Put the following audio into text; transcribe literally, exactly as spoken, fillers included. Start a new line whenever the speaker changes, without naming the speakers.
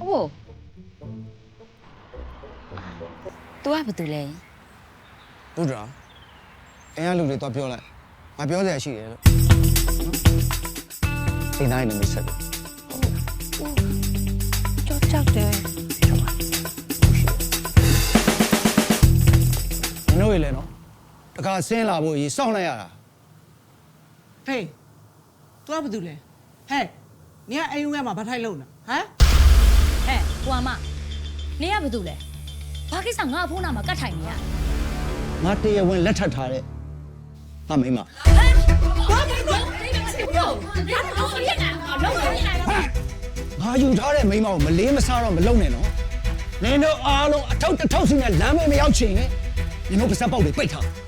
哦，都还不对嘞。
部长，人家路里多漂亮，俺表姐去了。你哪里没吃的？
就这的。
你那位来喏，这个生拉布一上来呀。
ဖေသူကဘာလုပ်လဲဟဲ့နင်ကအိမ်ဝင်မှာဘာထိုက်လို့လဲဟမ်
ဟဲ့ကိုအမနေရဘာလုပ်လဲဘာကိစ္စငါဖုန်းနာမှာကတ်ထိုင်နေရ
ငါတရားဝင်လက်ထပ်ထားတဲ့ငါမိမ
ဘာဘာလို့ဘုရားတော့ဖြစ်နေတာလုံးဝဖြစ်နေတာ
ငါယူထားတဲ့မိမကိုမလေးမစားတော့မလုံနဲ့နော်နင်တို့အားလုံးအထောက်တစ်ထောက်စီနဲ့လမ်းမေးမရောက်ချင်ရင်နင်တို့ပါစက်ပေါက်တွေပိတ်ထား